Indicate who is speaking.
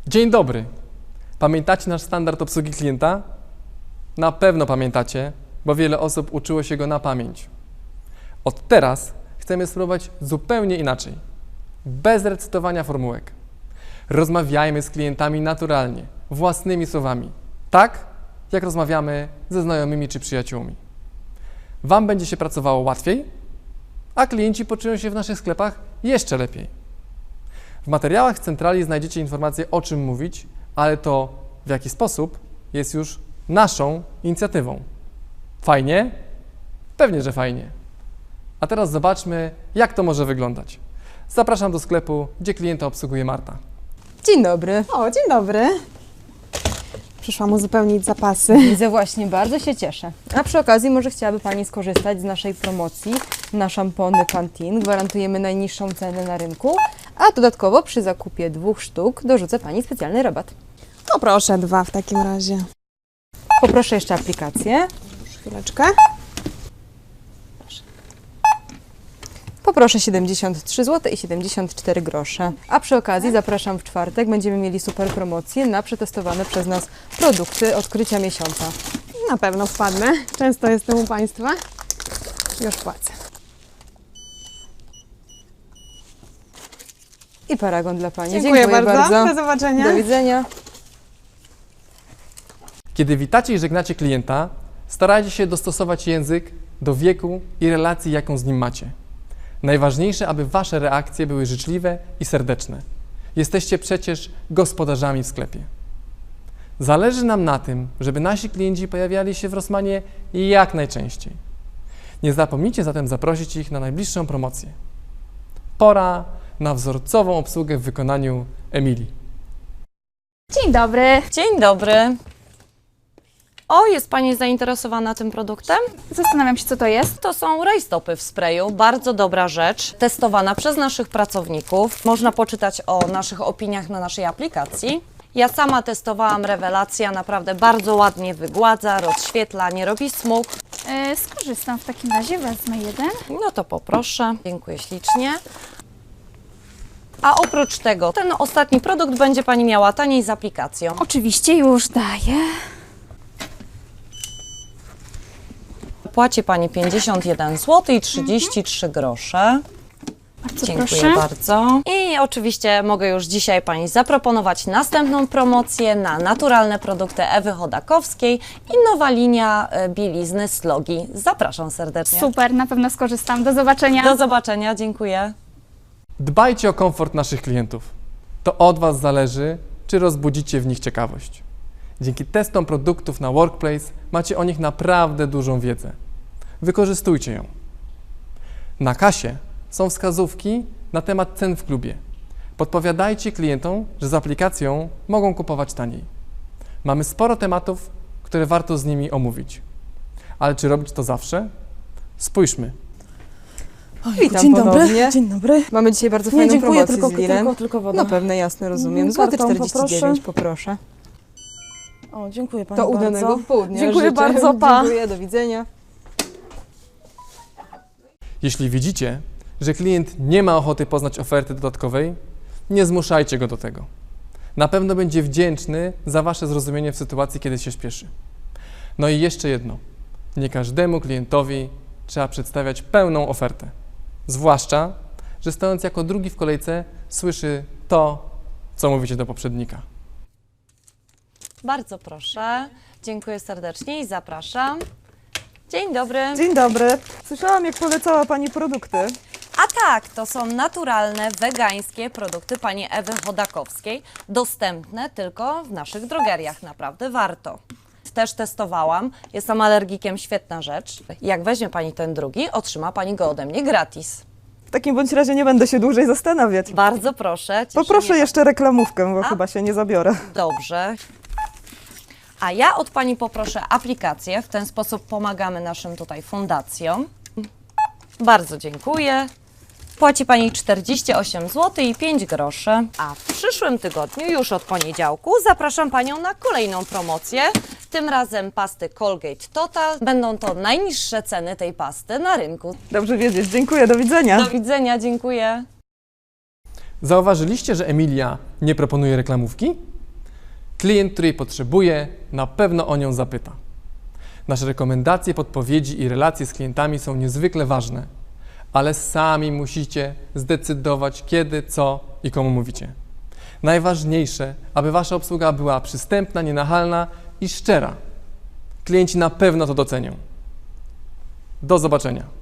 Speaker 1: Dzień dobry. Pamiętacie nasz standard obsługi klienta? Na pewno pamiętacie, bo wiele osób uczyło się go na pamięć. Od teraz chcemy spróbować zupełnie inaczej. Bez recytowania formułek. Rozmawiajmy z klientami naturalnie, własnymi słowami. Tak, jak rozmawiamy ze znajomymi czy przyjaciółmi. Wam będzie się pracowało łatwiej, a klienci poczują się w naszych sklepach jeszcze lepiej. W materiałach z centrali znajdziecie informacje, o czym mówić, ale to, w jaki sposób, jest już naszą inicjatywą. Fajnie? Pewnie, że fajnie. A teraz zobaczmy, jak to może wyglądać. Zapraszam do sklepu, gdzie klienta obsługuje Marta.
Speaker 2: Dzień dobry.
Speaker 3: O, dzień dobry. Przyszłam uzupełnić zapasy.
Speaker 2: Widzę właśnie, bardzo się cieszę. A przy okazji może chciałaby Pani skorzystać z naszej promocji na szampony Pantene. Gwarantujemy najniższą cenę na rynku, a dodatkowo przy zakupie 2 sztuk dorzucę Pani specjalny rabat.
Speaker 3: No proszę, 2 w takim razie.
Speaker 2: Poproszę jeszcze aplikację.
Speaker 3: Chwileczkę.
Speaker 2: Poproszę 73 zł i 74 grosze. A przy okazji zapraszam w czwartek. Będziemy mieli super promocję na przetestowane przez nas produkty odkrycia miesiąca.
Speaker 3: Na pewno wpadnę. Często jestem u Państwa. Już płacę.
Speaker 2: I paragon dla Pani.
Speaker 3: Dziękuję bardzo. Do zobaczenia.
Speaker 2: Do widzenia.
Speaker 1: Kiedy witacie i żegnacie klienta, starajcie się dostosować język do wieku i relacji, jaką z nim macie. Najważniejsze, aby Wasze reakcje były życzliwe i serdeczne. Jesteście przecież gospodarzami w sklepie. Zależy nam na tym, żeby nasi klienci pojawiali się w Rossmanie jak najczęściej. Nie zapomnijcie zatem zaprosić ich na najbliższą promocję. Pora na wzorcową obsługę w wykonaniu Emilii.
Speaker 4: Dzień dobry.
Speaker 5: Dzień dobry. O, jest Pani zainteresowana tym produktem?
Speaker 4: Zastanawiam się, co to jest.
Speaker 5: To są rajstopy w sprayu, bardzo dobra rzecz, testowana przez naszych pracowników. Można poczytać o naszych opiniach na naszej aplikacji. Ja sama testowałam, rewelacja, naprawdę bardzo ładnie wygładza, rozświetla, nie robi smug.
Speaker 4: Skorzystam w takim razie, wezmę jeden.
Speaker 5: No to poproszę, dziękuję ślicznie. A oprócz tego, ten ostatni produkt będzie Pani miała taniej z aplikacją.
Speaker 4: Oczywiście już daję.
Speaker 5: Płaci Pani 51 zł i 33 grosze.
Speaker 4: Bardzo
Speaker 5: Dziękuję
Speaker 4: proszę.
Speaker 5: bardzo. I oczywiście mogę już dzisiaj Pani zaproponować następną promocję na naturalne produkty Ewy Chodakowskiej i nowa linia bielizny Slogi. Zapraszam serdecznie.
Speaker 4: Super, na pewno skorzystam. Do zobaczenia.
Speaker 5: Do zobaczenia, dziękuję.
Speaker 1: Dbajcie o komfort naszych klientów. To od Was zależy, czy rozbudzicie w nich ciekawość. Dzięki testom produktów na Workplace macie o nich naprawdę dużą wiedzę. Wykorzystujcie ją. Na kasie są wskazówki na temat cen w klubie. Podpowiadajcie klientom, że z aplikacją mogą kupować taniej. Mamy sporo tematów, które warto z nimi omówić. Ale czy robić to zawsze? Spójrzmy.
Speaker 2: Witam
Speaker 3: Dzień
Speaker 2: ponownie.
Speaker 3: dobry. Dzień dobry.
Speaker 2: Mamy dzisiaj bardzo
Speaker 3: Nie,
Speaker 2: fajną
Speaker 3: dziękuję,
Speaker 2: promocję z Lilem.
Speaker 3: tylko woda.
Speaker 2: Na pewno, jasne, rozumiem. Złoty
Speaker 3: Kartą
Speaker 2: 49 poproszę.
Speaker 3: O, dziękuję Pani
Speaker 2: To
Speaker 3: bardzo.
Speaker 2: udanego południa.
Speaker 3: Dziękuję
Speaker 2: życzę.
Speaker 3: bardzo, pa.
Speaker 2: Dziękuję, do widzenia.
Speaker 1: Jeśli widzicie, że klient nie ma ochoty poznać oferty dodatkowej, nie zmuszajcie go do tego. Na pewno będzie wdzięczny za Wasze zrozumienie w sytuacji, kiedy się śpieszy. No i jeszcze jedno. Nie każdemu klientowi trzeba przedstawiać pełną ofertę. Zwłaszcza, że stojąc jako drugi w kolejce słyszy to, co mówicie do poprzednika.
Speaker 5: Bardzo proszę. Dziękuję serdecznie i zapraszam. Dzień dobry.
Speaker 6: Dzień dobry. Słyszałam, jak polecała Pani produkty.
Speaker 5: A tak, to są naturalne, wegańskie produkty Pani Ewy Chodakowskiej, dostępne tylko w naszych drogeriach, naprawdę warto. Też testowałam, jestem alergikiem, świetna rzecz. Jak weźmie Pani ten drugi, otrzyma Pani go ode mnie gratis.
Speaker 6: W takim bądź razie nie będę się dłużej zastanawiać.
Speaker 5: Bardzo proszę. cieszy
Speaker 6: Poproszę
Speaker 5: mnie
Speaker 6: jeszcze reklamówkę, bo
Speaker 5: A?
Speaker 6: chyba się nie zabiorę.
Speaker 5: Dobrze. A ja od Pani poproszę aplikację, w ten sposób pomagamy naszym tutaj fundacjom. Bardzo dziękuję. Płaci Pani 48 zł i 5 groszy. A w przyszłym tygodniu, już od poniedziałku, zapraszam Panią na kolejną promocję. Tym razem pasty Colgate Total. Będą to najniższe ceny tej pasty na rynku.
Speaker 6: Dobrze wiedzieć. Dziękuję, do widzenia.
Speaker 5: Do widzenia, dziękuję.
Speaker 1: Zauważyliście, że Emilia nie proponuje reklamówki? Klient, który jej potrzebuje, na pewno o nią zapyta. Nasze rekomendacje, podpowiedzi i relacje z klientami są niezwykle ważne, ale sami musicie zdecydować, kiedy, co i komu mówicie. Najważniejsze, aby wasza obsługa była przystępna, nienachalna i szczera. Klienci na pewno to docenią. Do zobaczenia.